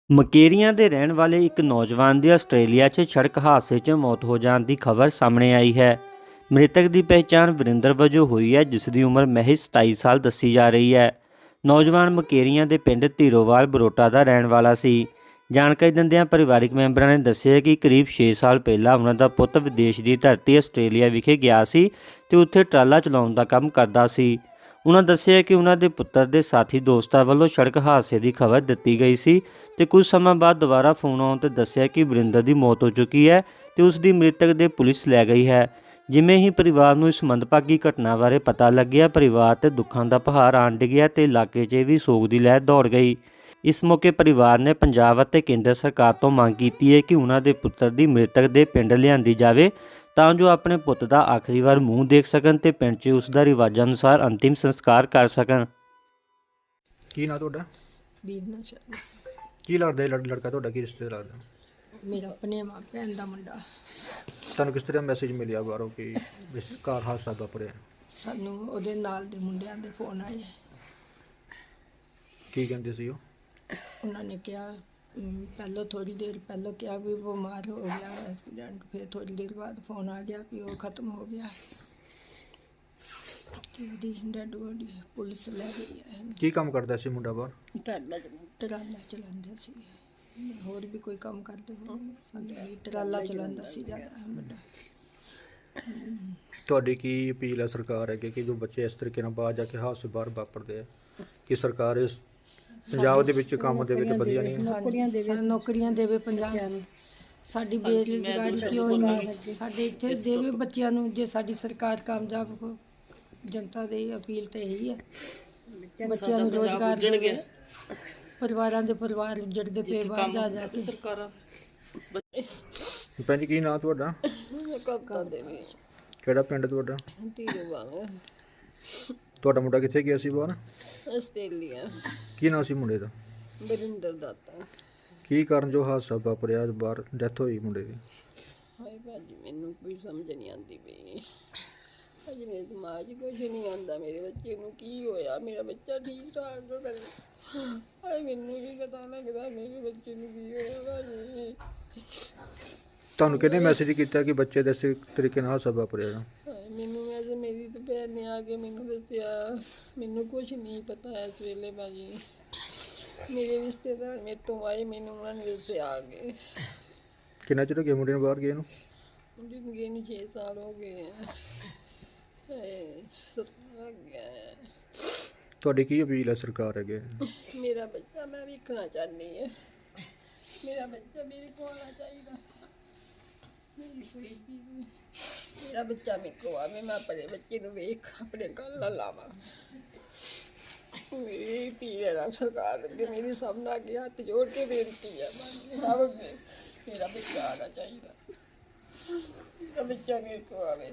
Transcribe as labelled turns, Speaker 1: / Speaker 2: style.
Speaker 1: ਮਕੇਰੀਆਂ ਦੇ ਰਹਿਣ ਵਾਲੇ ਇੱਕ ਨੌਜਵਾਨ ਦੀ ਆਸਟ੍ਰੇਲੀਆ 'ਚ ਸੜਕ ਹਾਦਸੇ 'ਚ ਮੌਤ ਹੋ ਜਾਣ ਦੀ ਖਬਰ ਸਾਹਮਣੇ ਆਈ ਹੈ। ਮ੍ਰਿਤਕ ਦੀ ਪਹਿਚਾਣ ਵਰਿੰਦਰ ਵਜੋਂ ਹੋਈ ਹੈ, ਜਿਸ ਦੀ ਉਮਰ ਮਹਿਜ਼ 27 ਸਾਲ ਦੱਸੀ ਜਾ ਰਹੀ ਹੈ। ਨੌਜਵਾਨ ਮਕੇਰੀਆਂ ਦੇ ਪਿੰਡ ਧੀਰੋਵਾਲ ਬਰੋਟਾ ਦਾ ਰਹਿਣ ਵਾਲਾ ਸੀ। ਜਾਣਕਾਰੀ ਦਿੰਦਿਆਂ ਪਰਿਵਾਰਕ ਮੈਂਬਰਾਂ ਨੇ ਦੱਸਿਆ ਕਿ ਕਰੀਬ 6 ਸਾਲ ਪਹਿਲਾਂ ਉਹਨਾਂ ਦਾ ਪੁੱਤ ਵਿਦੇਸ਼ ਦੀ ਧਰਤੀ ਆਸਟ੍ਰੇਲੀਆ ਵਿਖੇ ਗਿਆ ਸੀ ਤੇ ਉੱਥੇ ਟਰਾਲਾ ਚਲਾਉਣ ਦਾ ਕੰਮ ਕਰਦਾ ਸੀ। ਉਹਨਾਂ ਦੱਸਿਆ ਕਿ ਉਹਨਾਂ ਦੇ ਪੁੱਤਰ ਦੇ ਸਾਥੀ ਦੋਸਤਾਂ ਵੱਲੋਂ ਸੜਕ ਹਾਦਸੇ ਦੀ ਖਬਰ ਦਿੱਤੀ ਗਈ ਸੀ ਤੇ ਕੁਝ ਸਮਾਂ ਬਾਅਦ ਦੁਬਾਰਾ ਫੋਨ ਆਉਣ ਤੇ ਦੱਸਿਆ ਕਿ ਵਰਿੰਦਰ ਦੀ ਮੌਤ ਹੋ ਚੁੱਕੀ ਹੈ ਤੇ ਉਸ ਦੀ ਮ੍ਰਿਤਕ ਦੇ ਪੁਲਿਸ ਲੈ ਗਈ ਹੈ। ਜਿਵੇਂ ਹੀ ਪਰਿਵਾਰ ਨੂੰ ਇਸ ਮੰਦਭਾਗੀ ਘਟਨਾ ਬਾਰੇ ਪਤਾ ਲੱਗਿਆ, ਪਰਿਵਾਰ ਤੇ ਦੁੱਖਾਂ ਦਾ ਪਹਾੜ ਆਣ ਡਿੱਗਿਆ ਤੇ ਇਲਾਕੇ 'ਚ ਵੀ ਸੋਗ ਦੀ ਲਹਿਰ ਦੌੜ ਗਈ। ਇਸ ਮੌਕੇ ਪਰਿਵਾਰ ਨੇ ਪੰਜਾਬ ਅਤੇ ਕੇਂਦਰ ਸਰਕਾਰ ਤੋਂ ਮੰਗ ਕੀਤੀ ਹੈ ਕਿ ਉਹਨਾਂ ਦੇ ਪੁੱਤਰ ਦੀ ਮ੍ਰਿਤਕ ਦੇ ਪਿੰਡ ਲਿਆਂਦੀ ਜਾਵੇ ਤਾਂ ਜੋ ਆਪਣੇ ਪੁੱਤ ਦਾ ਆਖਰੀ ਵਾਰ ਮੂੰਹ ਦੇਖ ਸਕਣ ਤੇ ਪਿੰਡ 'ਚ ਉਸ ਦਾ ਰਿਵਾਜ਼ਾਂ ਅਨੁਸਾਰ ਅੰਤਿਮ ਸੰਸਕਾਰ ਕਰ ਸਕਣ।
Speaker 2: ਕੀ ਨਾਂ ਤੁਹਾਡਾ?
Speaker 3: ਬੀਰਨਾ ਸ਼ਰਮਾ।
Speaker 2: ਕੀ ਲੱਗਦਾ ਇਹ ਲੜਕਾ ਤੁਹਾਡਾ? ਕੀ ਰਿਸ਼ਤੇ ਲੱਗਦਾ?
Speaker 3: ਮੇਰਾ ਆਪਣੇ ਮਾਂ ਭੈਣ ਦਾ ਮੁੰਡਾ।
Speaker 2: ਤੁਹਾਨੂੰ ਕਿਸ ਤਰ੍ਹਾਂ ਮੈਸੇਜ ਮਿਲਿਆ ਬਾਹਰੋਂ ਕਿ ਘਰ ਹਾਦਸਾ ਵਾਪਰਿਆ?
Speaker 3: ਸਾਨੂੰ ਉਹਦੇ ਨਾਲ ਦੇ ਮੁੰਡਿਆਂ ਦੇ ਫੋਨ ਆਏ।
Speaker 2: ਕੀ ਕਹਿੰਦੇ ਸੀ ਉਹ?
Speaker 3: ਉਹਨਾਂ ਨੇ ਕਿਹਾ ਪਹਿਲਾਂ ਥੋੜੀ ਦੇਰ ਪਹਿਲਾਂ ਕਿਹਾ ਵੀ ਬਿਮਾਰ ਹੋ ਗਿਆ ਐਕਸੀਡੈਂਟ, ਫਿਰ ਥੋੜੀ ਦੇਰ ਬਾਅਦ ਫੋਨ ਆ ਗਿਆ ਵੀ ਉਹ ਖਤਮ ਹੋ ਗਿਆ ਤੇ ਉਹਦੀ ਡੈਡ ਬੋਡੀ ਪੁਲਿਸ ਲੈ ਗਈ ਹੈ।
Speaker 2: ਕੀ ਕੰਮ ਕਰਦਾ ਸੀ ਮੁੰਡਾ ਬਾਹਰ?
Speaker 3: ਟਰਾਲਾ ਚਲਾਉਂਦਾ ਸੀ, ਹੋਰ ਵੀ ਕੋਈ ਕੰਮ ਕਰਦੇ ਹੋਣਗੇ, ਸਾਨੂੰ ਟਰਾਲਾ ਚਲਾਉਂਦਾ ਸੀ ਜ਼ਿਆਦਾ ਵੱਡਾ।
Speaker 2: ਤੁਹਾਡੀ ਕੀ ਅਪੀਲ ਹੈ ਸਰਕਾਰ ਅੱਗੇ ਕਿ ਜੋ ਬੱਚੇ ਇਸ ਤਰੀਕੇ ਨਾਲ ਬਾਹਰ ਜਾ ਕੇ ਹਾਦਸੇ ਬਾਹਰ ਵਾਪਰਦੇ ਆ, ਕਿ ਸਰਕਾਰ ਇਸ ਪੰਜਾਬ ਦੇ ਵਿੱਚ ਕੰਮ ਦੇ ਵਿੱਚ ਵਧੀਆ ਨਹੀਂ ਹੈ?
Speaker 3: ਨੌਕਰੀਆਂ ਦੇਵੇ ਪੰਜਾਬ ਨੂੰ। ਸਾਡੀ ਬੇਰੁਜ਼ਗਾਰੀ ਕਿਉਂ ਨਹੀਂ ਸਾਡੇ ਇੱਥੇ ਦੇਵੇ ਬੱਚਿਆਂ ਨੂੰ। ਜੇ ਸਾਡੀ ਸਰਕਾਰ ਕਾਮਯਾਬ ਹੋ, ਜਨਤਾ ਦੀ ਅਪੀਲ ਤੇ ਇਹੀ ਹੈ ਬੱਚਿਆਂ ਨੂੰ ਰੋਜ਼ਗਾਰ ਦੇਵੇ। ਪਰਿਵਾਰਾਂ ਦੇ ਪਰਿਵਾਰ ਉੱਜੜਦੇ ਪਏ ਬਾਹਰ ਜਾ ਕੇ। ਸਰਕਾਰਾਂ
Speaker 2: ਭੈਣ ਜੀ ਕੀ ਨਾਂ ਤੁਹਾਡਾ?
Speaker 3: ਕਵਤਾ ਦੇਵੀ।
Speaker 2: ਕਿਹੜਾ ਪਿੰਡ ਤੁਹਾਡਾ?
Speaker 3: ਧੀਰੋਵਾਲ।
Speaker 2: ਤੁਹਾਡਾ ਮੁੰਡਾ ਕਿੱਥੇ ਗਿਆ ਸੀ ਬਾਹਰ?
Speaker 3: ਆਸਟ੍ਰੇਲੀਆ।
Speaker 2: ਕੀ ਨਾਂ ਸੀ ਮੁੰਡੇ ਦਾ?
Speaker 3: ਵਰਿੰਦਰ ਦਾਤਾ।
Speaker 2: ਕੀ ਕਾਰਨ ਜੋ ਹਾਦਸਾ ਵਾਪਰਿਆ ਬਾਹਰ ਡੈਥ ਹੋਈ ਮੁੰਡੇ ਦੀ?
Speaker 3: ਹਾਏ ਭਾਜੀ, ਮੈਨੂੰ ਕੋਈ ਸਮਝ ਨਹੀਂ ਆਉਂਦੀ ਪਈ। ਅੱਜ ਮੇਰੇ ਦਿਮਾਗ 'ਚ ਕੁਛ ਨਹੀਂ ਆਉਂਦਾ। ਮੇਰੇ ਬੱਚੇ ਨੂੰ ਕੀ ਹੋਇਆ? ਮੇਰਾ ਬੱਚਾ ਠੀਕ ਠਾਕ ਹੈ। ਹਾਏ ਮੈਨੂੰ ਵੀ ਪਤਾ ਲੱਗਦਾ ਮੇਰੇ ਬੱਚੇ ਨੂੰ ਕੀ ਹੋਇਆ ਭਾਜੀ।
Speaker 2: ਤੁਹਾਨੂੰ ਕਿਹਨੇ ਮੈਸੇਜ ਕੀਤਾ ਕਿ ਬੱਚੇ ਦੇ ਇਸ ਤਰੀਕੇ ਨਾਲ ਹਾਦਸਾ ਵਾਪਰਿਆ?
Speaker 3: ਮੈਨੂੰ ਅੱਜ ਮੇਰੀ ਤਾਂ ਭੈਣ ਨੇ ਆ ਕੇ ਮੈਨੂੰ ਦੱਸਿਆ। ਮੈਨੂੰ ਕੁਛ ਨਹੀਂ ਪਤਾ ਇਸ ਵੇਲੇ ਭਾਜੀ। ਮੇਰੇ ਰਿਸ਼ਤੇਦਾਰ ਮੇਰੇ ਤੋਂ ਆਏ, ਮੈਨੂੰ ਉਹਨਾਂ ਨੇ ਦੱਸਿਆ ਆ ਕੇ।
Speaker 2: ਕਿੰਨਾ ਚਿਰ ਹੋ ਗਿਆ ਮੁੰਡੇ ਨੂੰ ਬਾਹਰ ਗਏ ਨੂੰ?
Speaker 3: ਮੁੰਡੇ ਨੂੰ ਗਏ ਨੂੰ 6 ਸਾਲ ਹੋ ਗਏ ਆ। ਲੱਗ ਗਿਆ।
Speaker 2: ਤੁਹਾਡੀ ਕੀ ਅਪੀਲ ਹੈ ਸਰਕਾਰ ਅੱਗੇ?
Speaker 3: ਮੇਰਾ ਬੱਚਾ ਮੈਂ ਵੇਖਣਾ ਚਾਹੁੰਦੀ ਹਾਂ। ਮੇਰਾ ਬੱਚਾ ਮੇਰੇ ਕੋਲ ਆਉਣਾ ਚਾਹੀਦਾ। ਮੇਰੀ ਕੋਈ ਵੀ ਮੇਰਾ ਬੱਚਾ ਮੇਰੇ ਕੋਲ ਆਵੇ, ਮੈਂ ਆਪਣੇ ਬੱਚੇ ਨੂੰ ਵੇਖ ਆਪਣੇ ਗੱਲ ਲਾਵਾਂ। ਮੇਰੀ ਧੀ ਹੈ ਸਰਕਾਰ ਅੱਗੇ, ਮੇਰੀ ਸਭ ਨਾਲ ਅੱਗੇ ਹੱਥ ਜੋੜ ਕੇ ਬੇਨਤੀ ਹੈ ਸਭ ਅੱਗੇ, ਮੇਰਾ ਬੱਚਾ ਆਉਣਾ ਚਾਹੀਦਾ। ਮੇਰਾ ਬੱਚਾ ਮੇਰੇ ਕੋਲ ਆਵੇ।